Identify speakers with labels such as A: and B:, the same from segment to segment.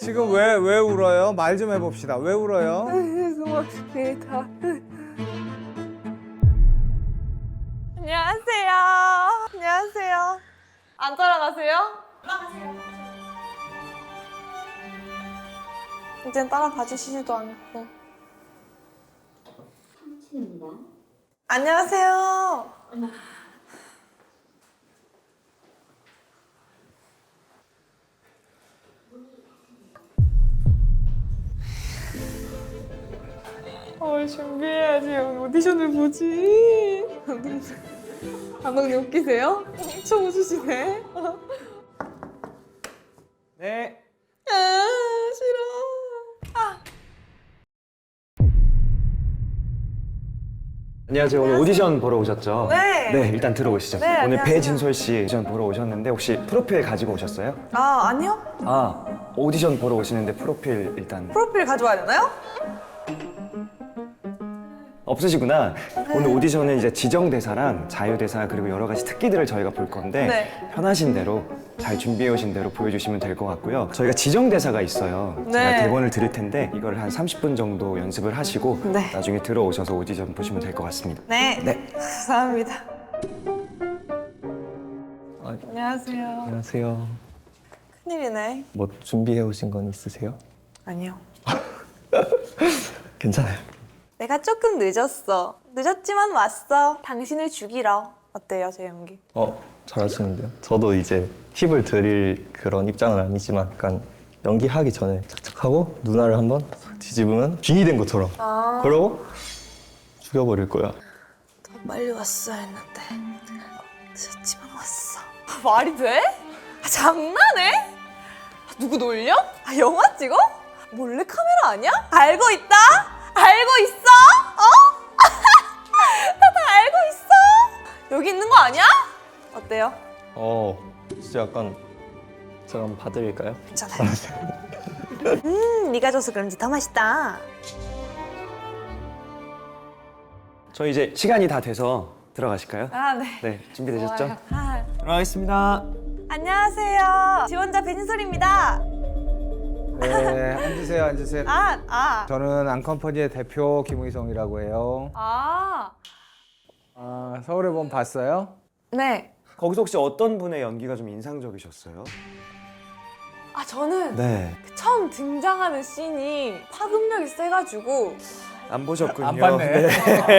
A: 지금 왜 울어요? 말 좀 해봅시다. 왜 울어요?
B: 고맙습니다. 안녕하세요. 안녕하세요. 안 따라가세요? 따라가세요. 이젠 따라가 주시지도 않고. 안녕하세요. 준비해야지. 오늘 오디션을 보지. 감독님 웃기세요? 엄청 웃으시네.
A: 네.
B: 아, 싫어.
C: 안녕하세요. 오늘 오디션 보러 오셨죠?
B: 네.
C: 네, 일단 들어오시죠.
B: 네,
C: 오늘
B: 안녕하세요.
C: 배진솔 씨 오디션 보러 오셨는데 혹시 프로필 가지고 오셨어요?
B: 아, 아니요.
C: 아, 오디션 보러 오시는데 프로필 일단
B: 프로필 가져와야 되나요?
C: 없으시구나. 오늘 오디션은 이제 지정 대사랑 자유 대사 그리고 여러 가지 특기들을 저희가 볼 건데
B: 네.
C: 편하신 대로 잘 준비해 오신 대로 보여주시면 될 것 같고요. 저희가 지정 대사가 있어요.
B: 네.
C: 제가 대본을 드릴 텐데 이걸 한 30분 정도 연습을 하시고
B: 네.
C: 나중에 들어오셔서 오디션 보시면 될 것 같습니다.
B: 네.
C: 네.
B: 감사합니다.
D: 아,
B: 안녕하세요.
D: 안녕하세요.
B: 큰일이네.
D: 뭐 준비해 오신 건 있으세요?
B: 아니요.
D: 괜찮아요.
B: 내가 조금 늦었어. 늦었지만 왔어. 당신을 죽이러. 어때요, 제 연기?
D: 잘하시는데요. 저도 이제 팁을 드릴 그런 입장은 아니지만 약간 연기하기 전에 착착하고 누나를 한번 뒤집으면 빙이 된 것처럼 그러고 죽여버릴 거야.
B: 더 빨리 왔어야 했는데 늦었지만 왔어. 말이 돼? 장난해? 누구 놀려? 영화 찍어? 몰래 카메라 아니야? 알고 있다? 알고 있어? 다 알고 있어? 여기 있는 거 아니야? 어때요?
D: 진짜 약간 제가 한번 봐드릴까요?
B: 괜찮아요. 네가 줘서 그런지 더 맛있다.
C: 저희 이제 시간이 다 돼서 들어가실까요?
B: 아, 네.
C: 네, 준비되셨죠?
B: 아,
C: 들어가겠습니다.
B: 안녕하세요. 지원자 배진솔입니다.
A: 네, 앉으세요, 앉으세요.
B: 아.
A: 저는 앙컴퍼니의 대표 김의성이라고 해요. 서울의 봄 봤어요?
B: 네.
C: 거기서 혹시 어떤 분의 연기가 좀 인상적이셨어요?
B: 저는
C: 네,
B: 처음 등장하는 씬이 파급력이 세가지고
C: 안 보셨군요.
A: 안 봤네.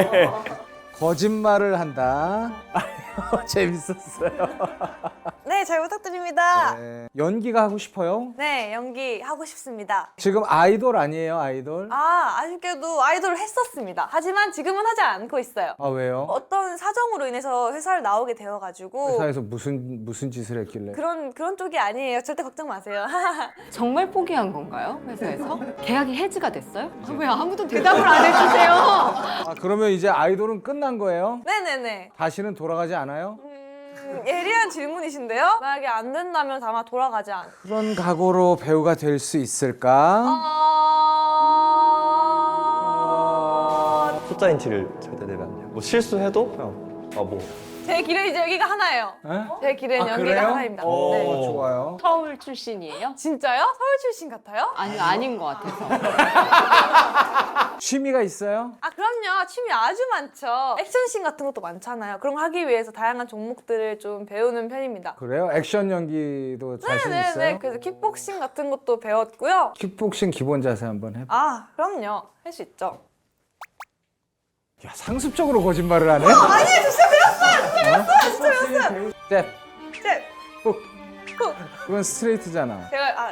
A: 거짓말을 한다. 재밌었어요.
B: 네, 잘 부탁드립니다.
A: 네. 연기가 하고 싶어요?
B: 네, 연기 하고 싶습니다.
A: 지금 아이돌 아니에요, 아이돌?
B: 아쉽게도 아이돌을 했었습니다. 하지만 지금은 하지 않고 있어요.
A: 왜요?
B: 어떤 사정으로 인해서 회사를 나오게 되어가지고
A: 회사에서 무슨 짓을 했길래?
B: 그런 쪽이 아니에요. 절대 걱정 마세요.
E: 정말 포기한 건가요? 회사에서? 계약이 해지가 됐어요? 왜 아무도 대답을 안 해주세요?
A: 그러면 이제 아이돌은 끝난 거예요?
B: 네네네.
A: 다시는 돌아가지 않아요?
B: 예리한 질문이신데요? 만약에 안 된다면 아마 돌아가지 않.
A: 그런 각오로 배우가 될 수 있을까?
D: 숫자인 티를 절대 내면 안 돼요. 뭐 실수해도 그냥
B: 제 길은 이제 여기가 하나예요.
A: 에?
B: 제 길은 연기가
A: 그래요?
B: 하나입니다.
A: 오,
B: 네.
A: 좋아요.
E: 서울 출신이에요?
B: 진짜요? 서울 출신 같아요?
E: 아니요, 아닌 것 같아서.
A: 취미가 있어요?
B: 그럼요. 취미 아주 많죠. 액션씬 같은 것도 많잖아요. 그런 거 하기 위해서 다양한 종목들을 좀 배우는 편입니다.
A: 그래요? 액션 연기도 자신 있어요?
B: 네네네. 그래서 킥복싱 같은 것도 배웠고요.
A: 킥복싱 기본 자세 한번 해봐.
B: 그럼요. 할 수 있죠.
A: 야, 상습적으로 거짓말을 하네?
B: 아니, 진짜 배웠어요. 진짜 배웠어요.
A: 잽,
B: 제,
A: 훅. 그건 스트레이트잖아.
B: 제가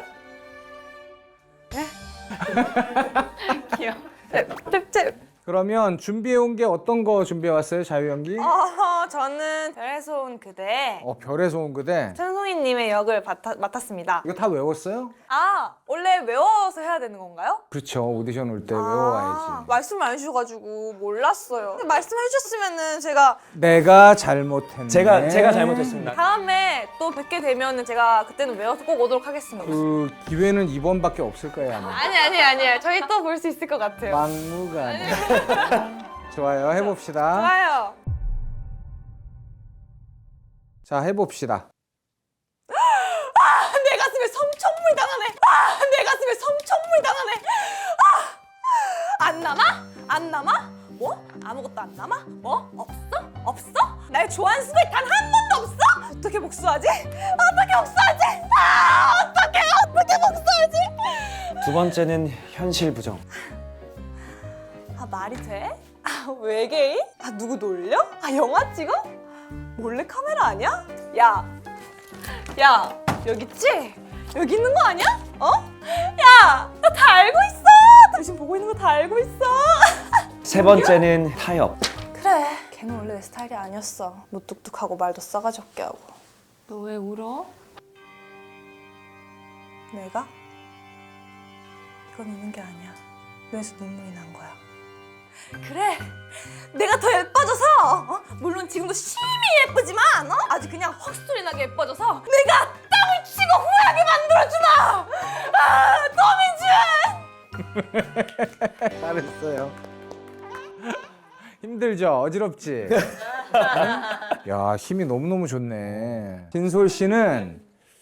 E: 귀여워.
B: 잽.
A: 그러면 준비해온 게 어떤 거 준비해왔어요, 자유연기?
B: 저는 별에서 온 그대
A: 별에서 온 그대.
B: 천송이님의 역을 맡았습니다.
A: 이거 다 외웠어요?
B: 원래 외워서 해야 되는 건가요?
A: 그렇죠. 오디션 올 때 외워와야지.
B: 말씀을 안 해주셔가지고 몰랐어요. 근데 말씀해 주셨으면은 제가
A: 내가 잘못했네.
C: 제가 잘못했습니다.
B: 다음에 또 뵙게 되면은 제가 그때는 외워서 꼭 오도록 하겠습니다.
A: 그 기회는 이번밖에 없을 거예요, 아마.
B: 아니. 저희 또 볼 수 있을 것 같아요.
A: 막무가내. 좋아요, 해봅시다.
B: 좋아요.
A: 자, 해봅시다.
B: 내 가슴에 성천불 당하네. 내 가슴에 섬천물 당하네. 안 남아? 안 남아? 뭐? 아무것도 안 남아? 뭐? 없어? 없어? 날 좋아하는 수가 단 한 번도 없어? 어떻게 복수하지? 어떻게 복수하지? 어떻게 복수하지?
C: 두 번째는 현실 부정.
B: 말이 돼? 외계인? 누구 놀려? 영화 찍어? 몰래 카메라 아니야? 야, 여기 있지? 여기 있는 거 아니야? 야, 나 다 알고 있어. 당신 보고 있는 거 다 알고 있어.
C: 세 번째는 타협.
B: 그래, 걔는 원래 내 스타일이 아니었어. 무뚝뚝하고 말도 싸가지 없게 하고.
E: 너 왜 울어?
B: 내가? 이건 우는 게 아니야. 눈에서 눈물이 난 거야. 그래, 내가 더 예뻐져서 물론 지금도 심히 예쁘지만 아주 그냥 헛소리 나게 예뻐져서 내가 땀을 치고 후회하게 만들어주마. 도민준!
A: 잘했어요. 힘들죠? 어지럽지? 야, 힘이 너무너무 좋네. 진솔 씨는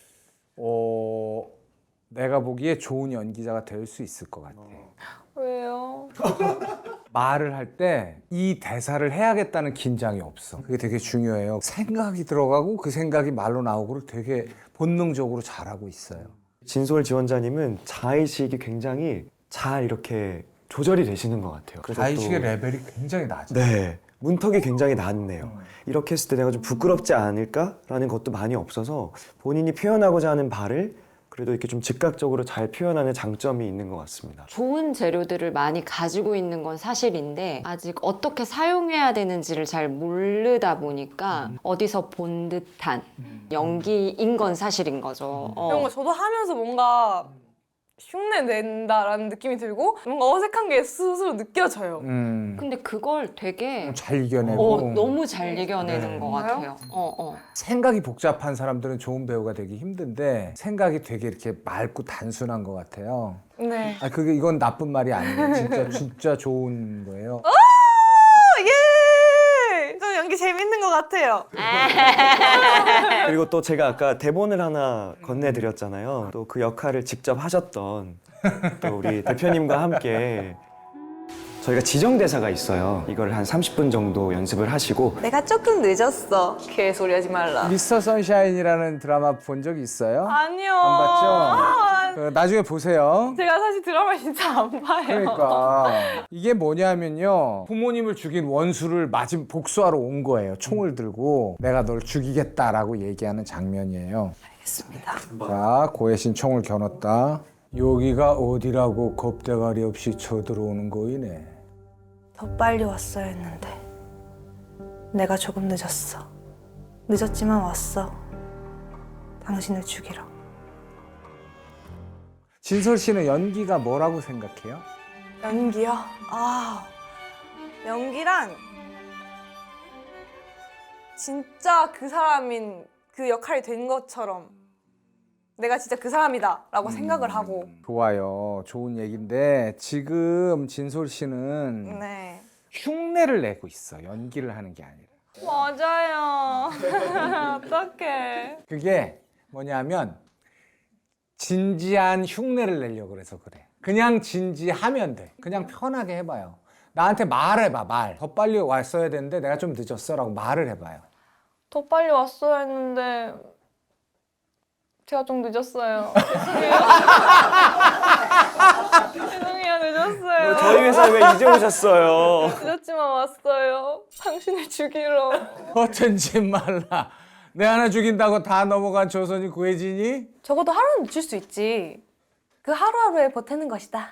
A: 내가 보기에 좋은 연기자가 될 수 있을 것 같아.
B: 왜요?
A: 말을 할 때 이 대사를 해야겠다는 긴장이 없어. 그게 되게 중요해요. 생각이 들어가고 그 생각이 말로 나오고를 되게 본능적으로 잘하고 있어요.
C: 진솔 지원자님은 자의식이 굉장히 잘 이렇게 조절이 되시는 것 같아요. 그래서
A: 자의식의
C: 또-
A: 레벨이 굉장히 낮아.
C: 네, 문턱이 굉장히 낮네요. 이렇게 했을 때 내가 좀 부끄럽지 않을까라는 것도 많이 없어서 본인이 표현하고자 하는 바를 그래도 이렇게 좀 즉각적으로 잘 표현하는 장점이 있는 것 같습니다.
E: 좋은 재료들을 많이 가지고 있는 건 사실인데 아직 어떻게 사용해야 되는지를 잘 모르다 보니까 어디서 본 듯한 연기인 건 사실인 거죠.
B: 이런 거 저도 하면서 뭔가 흉내 낸다라는 느낌이 들고 뭔가 어색한 게 스스로 느껴져요.
E: 근데 그걸 되게
A: 잘 이겨내고
E: 너무 잘 이겨내는
A: 네.
E: 것 같아요.
A: 생각이 복잡한 사람들은 좋은 배우가 되기 힘든데 생각이 되게 이렇게 맑고 단순한 것 같아요.
B: 네.
A: 그게 이건 나쁜 말이 아니에요. 진짜 좋은 거예요.
B: 예! 저 연기 재밌는 것 같아요.
C: 그리고 또 제가 아까 대본을 하나 건네드렸잖아요. 또 그 역할을 직접 하셨던 또 우리 대표님과 함께 저희가 지정 대사가 있어요. 이걸 한 30분 정도 연습을 하시고
B: 내가 조금 늦었어. 개소리 하지 말라.
A: 미스터 선샤인이라는 드라마 본 적 있어요?
B: 아니요.
A: 안 봤죠? 나중에 보세요.
B: 제가 사실 드라마 진짜 안 봐요.
A: 그러니까 이게 뭐냐면요, 부모님을 죽인 원수를 마침 복수하러 온 거예요. 총을 들고 내가 널 죽이겠다라고 얘기하는 장면이에요.
B: 알겠습니다.
A: 자, 고혜신 총을 겨눴다. 여기가 어디라고 겁대가리 없이 쳐들어오는 거이네.
B: 더 빨리 왔어야 했는데 내가 조금 늦었어. 늦었지만 왔어. 당신을 죽이러.
A: 진솔 씨는 연기가 뭐라고 생각해요?
B: 연기요? 연기란 진짜 그 사람인 그 역할이 된 것처럼 내가 진짜 그 사람이다 라고 생각을 하고.
A: 좋아요. 좋은 얘기인데 지금 진솔 씨는
B: 네.
A: 흉내를 내고 있어. 연기를 하는 게 아니라.
B: 맞아요. 어떡해.
A: 그게 뭐냐면 진지한 흉내를 내려고 그래서 그래. 그냥 진지하면 돼. 그냥 편하게 해봐요. 나한테 말해봐, 말. 더 빨리 왔어야 되는데 내가 좀 늦었어 라고 말을 해봐요.
B: 더 빨리 왔어야 했는데 제가 좀 늦었어요. 죄송해요. 늦었어요.
C: 저희 회사에 왜 이제 오셨어요?
B: 늦었지만 왔어요. 당신을 죽이러.
A: 어쩐지 말라. 내 하나 죽인다고 다 넘어간 조선이 구해지니?
B: 적어도 하루는 늦출 수 있지. 그 하루하루에 버티는 것이다.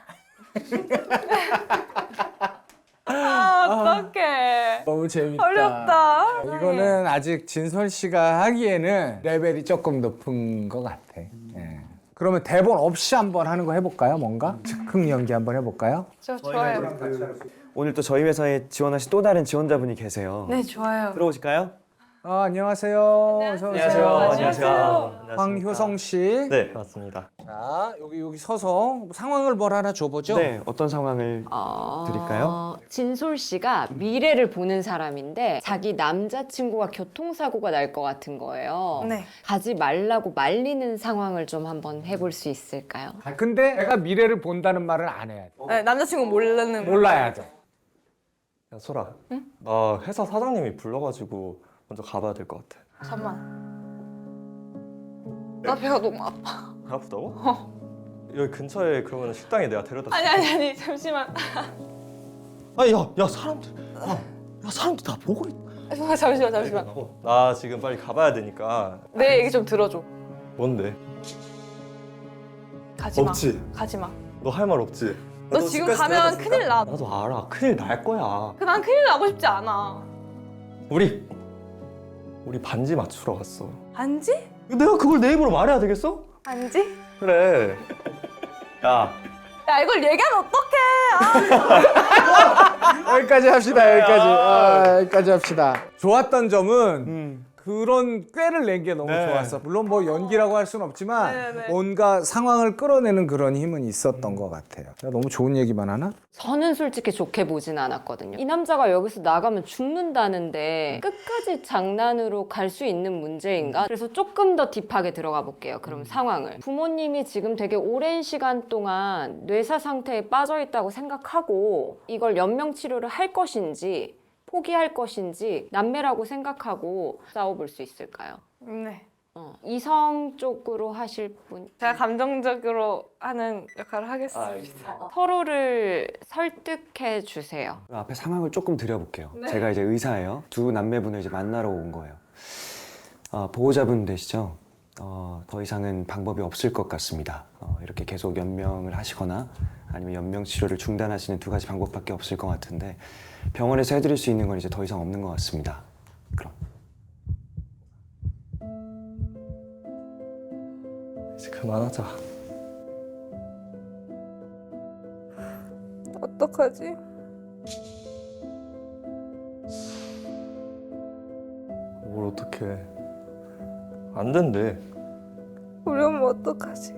B: 어떡해.
A: 너무 재밌다.
B: 어렵다.
A: 이거는 아직 진솔 씨가 하기에는 레벨이 조금 높은 것 같아. 예. 그러면 대본 없이 한번 하는 거 해볼까요? 뭔가? 즉흥 연기 한번 해볼까요?
B: 좋아요.
C: 오늘 또 저희 회사에 지원하신 또 다른 지원자분이 계세요.
B: 네, 좋아요.
C: 들어오실까요?
A: 안녕하세요. 어서 오세요.
B: 안녕하세요.
A: 황효성 씨.
D: 네, 맞습니다.
A: 자, 여기 서서 상황을 뭘 하나 줘보죠.
C: 네, 어떤 상황을 드릴까요?
E: 진솔 씨가 미래를 보는 사람인데 자기 남자친구가 교통사고가 날 것 같은 거예요.
B: 네.
E: 가지 말라고 말리는 상황을 좀 한번 해볼 수 있을까요?
A: 근데 내가 미래를 본다는 말을 안 해야 돼.
B: 네, 남자친구 모르는
A: 몰라야 돼.
D: 야, 소라. 나 회사 사장님이 불러가지고 먼저 가봐야 될 것 같아.
B: 잠만. 나 배가 너무 아파.
D: 배 아프다고? 여기 근처에 그러면 식당에 내가 데려다 줄게.
B: 아니 잠시만.
D: 아니, 야, 사람들. 야, 사람들 다 보고 있.
B: 잠시만.
D: 나 지금 빨리 가봐야 되니까.
B: 내 얘기 좀 들어줘.
D: 뭔데?
B: 가지 마.
D: 없지?
B: 가지 마.
D: 너 할 말 없지?
B: 너 지금 가면 큰일 나.
D: 나도 알아. 큰일 날 거야.
B: 난 큰일 나고 싶지 않아.
D: 우리 반지 맞추러 갔어.
B: 반지?
D: 내가 그걸 내 입으로 말해야 되겠어?
B: 반지?
D: 그래. 야,
B: 야 이걸 얘기하면 어떡해.
A: 여기까지 합시다. 여기까지 합시다. 좋았던 점은 그런 꾀를 낸 게 너무
C: 네.
A: 좋았어. 물론 뭐 연기라고 할 수는 없지만
B: 네네.
A: 뭔가 상황을 끌어내는 그런 힘은 있었던 것 같아요. 너무 좋은 얘기만 하나?
E: 저는 솔직히 좋게 보진 않았거든요. 이 남자가 여기서 나가면 죽는다는데 끝까지 장난으로 갈 수 있는 문제인가? 그래서 조금 더 딥하게 들어가 볼게요. 그럼 상황을. 부모님이 지금 되게 오랜 시간 동안 뇌사 상태에 빠져 있다고 생각하고 이걸 연명 치료를 할 것인지 포기할 것인지 남매라고 생각하고 싸워볼 수 있을까요?
B: 네.
E: 이성 쪽으로 하실 분
B: 제가 감정적으로 하는 역할을 하겠습니다.
E: 서로를 설득해 주세요.
C: 앞에 상황을 조금 드려볼게요.
B: 네.
C: 제가 이제 의사예요. 두 남매분을 이제 만나러 온 거예요. 보호자분 되시죠? 더 이상은 방법이 없을 것 같습니다. 이렇게 계속 연명을 하시거나 아니면 연명 치료를 중단하시는 두 가지 방법밖에 없을 것 같은데 병원에서 해드릴 수 있는 건 이제 더 이상 없는 것 같습니다. 그럼.
D: 이제 그만하자.
B: 어떡하지?
D: 뭘 어떡해. 안 된대.
B: 우리 엄마 어떡하지?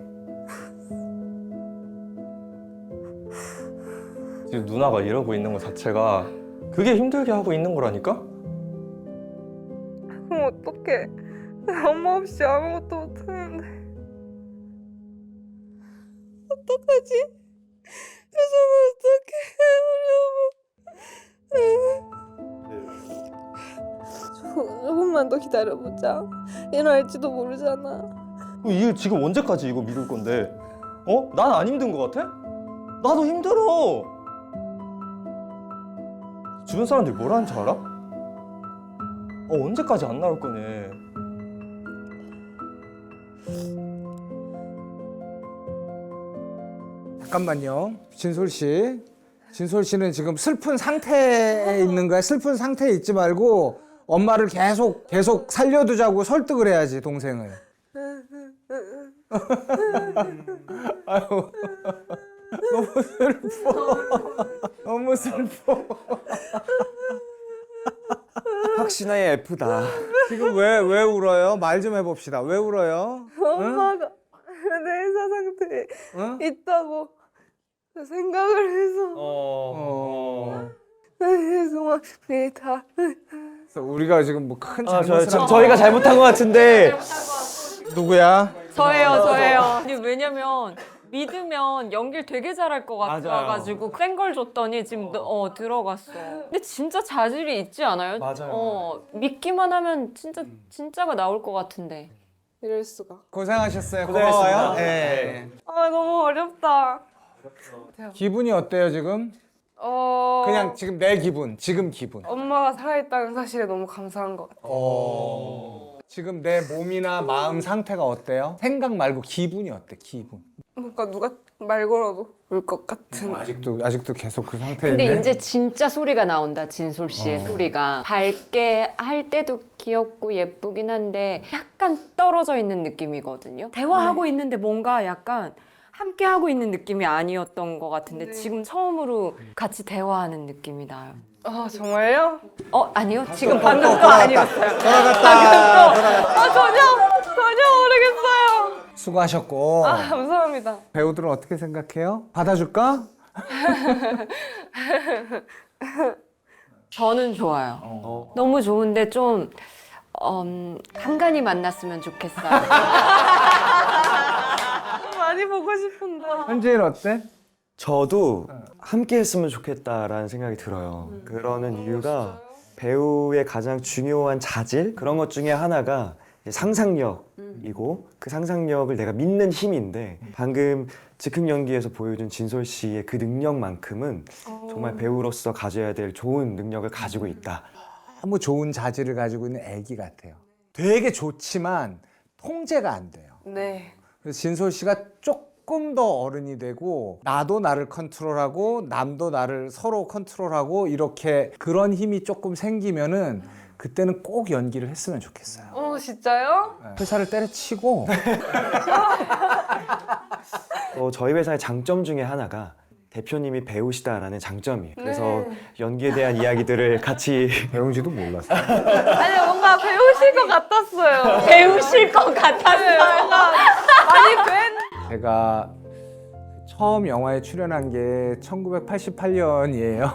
D: 지금 누나가 이러고 있는 것 자체가 그게 힘들게 하고 있는 거라니까?
B: 그럼 어떡해? 엄마 없이 아무것도 못하는데. 어떡하지? 세상에 어떡해 우리 엄마. 조금만 더 기다려보자. 얘는 알지도 모르잖아.
D: 이 지금 언제까지 이거 미룰 건데? 난 안 힘든 것 같아? 나도 힘들어. 주변 사람들이 뭐라는 줄 알아? 언제까지 안 나올 거니?
A: 잠깐만요. 진솔 씨. 진솔 씨는 지금 슬픈 상태에 있는 거야. 슬픈 상태에 있지 말고 엄마를 계속 살려두자고 설득을 해야지, 동생을. 아유, 너무 슬퍼. 너무 슬퍼.
C: 확신하에 F다.
A: 지금 왜 울어요? 말 좀 해봅시다. 왜 울어요?
B: 엄마가 내 의사 상태에
A: 응?
B: 있다고 생각을 해서 죄송합니다.
A: 그래서 우리가 지금 뭐 큰
C: 아,
A: 잘못을 한
C: 저희가 잘못한 것 같은데.
A: 누구야?
E: 저예요. 아니, 왜냐면 믿으면 연기를 되게 잘할 것
C: 맞아요.
E: 같아가지고 센 걸 줬더니 지금 들어갔어. 근데 진짜 자질이 있지 않아요?
C: 맞아요.
E: 믿기만 하면 진짜가 나올 것 같은데.
B: 이럴 수가.
A: 고생하셨어요.
C: 고생하셨습니다.
A: 고마워요. 네.
B: 아 너무 어렵다.
A: 기분이 어때요 지금? 그냥 지금 내 기분, 지금 기분.
B: 엄마가 살아있다는 사실에 너무 감사한 것 같아요.
A: 지금 내 몸이나 마음 상태가 어때요? 생각 말고 기분이 어때? 기분.
B: 뭔가 누가 말 걸어도 울 것 같은.
A: 아직도 계속 그 상태인데.
E: 근데 이제 진짜 소리가 나온다, 진솔 씨의 소리가. 밝게 할 때도 귀엽고 예쁘긴 한데 약간 떨어져 있는 느낌이거든요. 대화하고 있는데 뭔가 약간 함께 하고 있는 느낌이 아니었던 것 같은데 지금 처음으로 같이 대화하는 느낌이 나요.
B: 아 정말요?
E: 아니요. 지금 방금 거 아니었어요.
B: 전혀 모르겠어요.
A: 수고하셨고.
B: 감사합니다.
A: 배우들은 어떻게 생각해요? 받아줄까?
E: 저는 좋아요. 너무 좋은데 좀 간간히 만났으면 좋겠어요.
B: 많이 보고 싶은데.
A: 현재는 어때?
C: 저도 함께 했으면 좋겠다라는 생각이 들어요. 그러는 이유가 배우의 가장 중요한 자질 그런 것 중에 하나가 상상력이고 그 상상력을 내가 믿는 힘인데 방금 즉흥 연기에서 보여준 진솔 씨의 그 능력만큼은 정말 배우로서 가져야 될 좋은 능력을 가지고 있다.
A: 너무 좋은 자질을 가지고 있는 애기 같아요. 되게 좋지만 통제가 안 돼요.
B: 네.
A: 그래서 진솔 씨가 조금 더 어른이 되고 나도 나를 컨트롤하고 남도 나를 서로 컨트롤하고 이렇게 그런 힘이 조금 생기면은 그때는 꼭 연기를 했으면 좋겠어요.
B: 진짜요?
A: 회사를 때려치고
C: 저희 회사의 장점 중에 하나가 대표님이 배우시다라는 장점이에요. 그래서 연기에 대한 이야기들을 같이
A: 배운지도 몰랐어요.
B: 아니 뭔가 배우실 것 같았어요.
E: 배우실 것 같았어요.
B: 뭔가 많이 뵌.
A: 제가 처음 영화에 출연한 게 1988년이에요.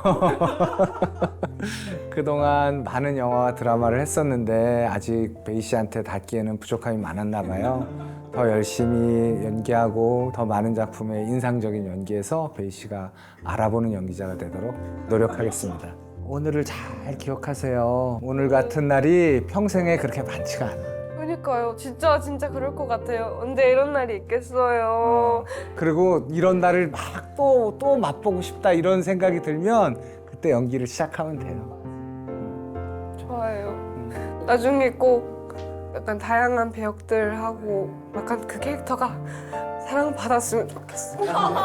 A: 그동안 많은 영화와 드라마를 했었는데 아직 베이 씨한테 닿기에는 부족함이 많았나 봐요. 더 열심히 연기하고 더 많은 작품에 인상적인 연기에서 베이 씨가 알아보는 연기자가 되도록 노력하겠습니다. 오늘을 잘 기억하세요. 오늘 같은 날이 평생에 그렇게 많지가 않아요.
B: 그러니까요. 진짜 그럴 것 같아요. 언제 이런 날이 있겠어요.
A: 그리고 이런 날을 막 또 맛보고 싶다 이런 생각이 들면 그때 연기를 시작하면 돼요.
B: 좋아요. 나중에 꼭 약간 다양한 배역들 하고 약간 그 캐릭터가 사랑받았으면 좋겠어요.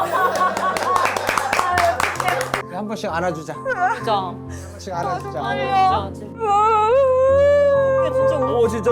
A: 한 번씩 안아주자.
E: 진짜.
A: 한 번씩 안아주자.
E: 진짜.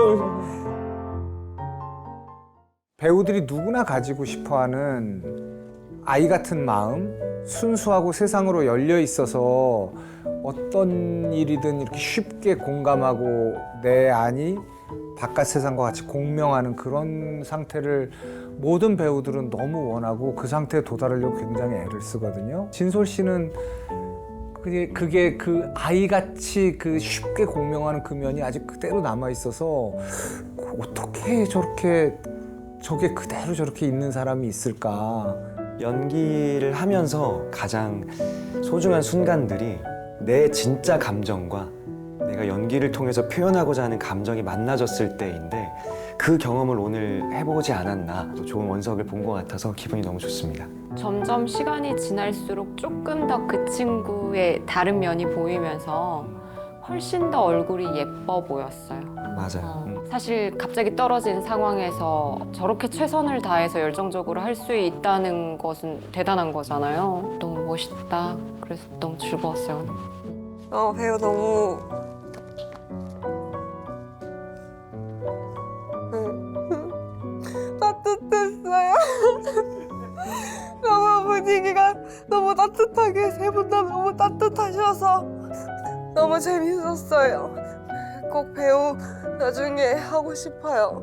A: 배우들이 누구나 가지고 싶어하는 아이 같은 마음, 순수하고 세상으로 열려 있어서 어떤 일이든 이렇게 쉽게 공감하고 내 안이 바깥 세상과 같이 공명하는 그런 상태를 모든 배우들은 너무 원하고 그 상태에 도달하려고 굉장히 애를 쓰거든요. 진솔 씨는 그게 그 아이같이 그 쉽게 공명하는 그 면이 아직 그대로 남아 있어서 어떻게 저게 그대로 저렇게 있는 사람이 있을까?
C: 연기를 하면서 가장 소중한 순간들이 내 진짜 감정과 내가 연기를 통해서 표현하고자 하는 감정이 만나졌을 때인데 그 경험을 오늘 해보지 않았나 또 좋은 원석을 본 것 같아서 기분이 너무 좋습니다.
E: 점점 시간이 지날수록 조금 더 그 친구의 다른 면이 보이면서 훨씬 더 얼굴이 예뻐 보였어요.
C: 맞아요.
E: 사실 갑자기 떨어진 상황에서 저렇게 최선을 다해서 열정적으로 할 수 있다는 것은 대단한 거잖아요. 너무 멋있다. 그래서 너무 즐거웠어요.
B: 배우 너무 따뜻했어요. 너무 분위기가 너무 따뜻하게 세 분 다 너무 따뜻하셔서 너무 재밌었어요. 꼭 배우 나중에 하고 싶어요.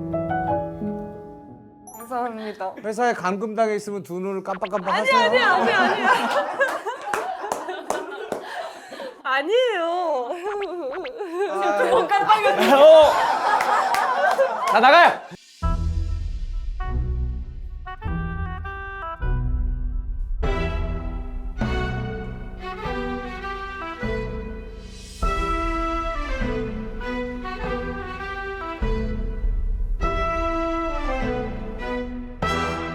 B: 감사합니다.
A: 회사에 감금당해 있으면 두 눈을 깜빡깜빡 하세요.
B: 아니에요.
A: 다 나가요.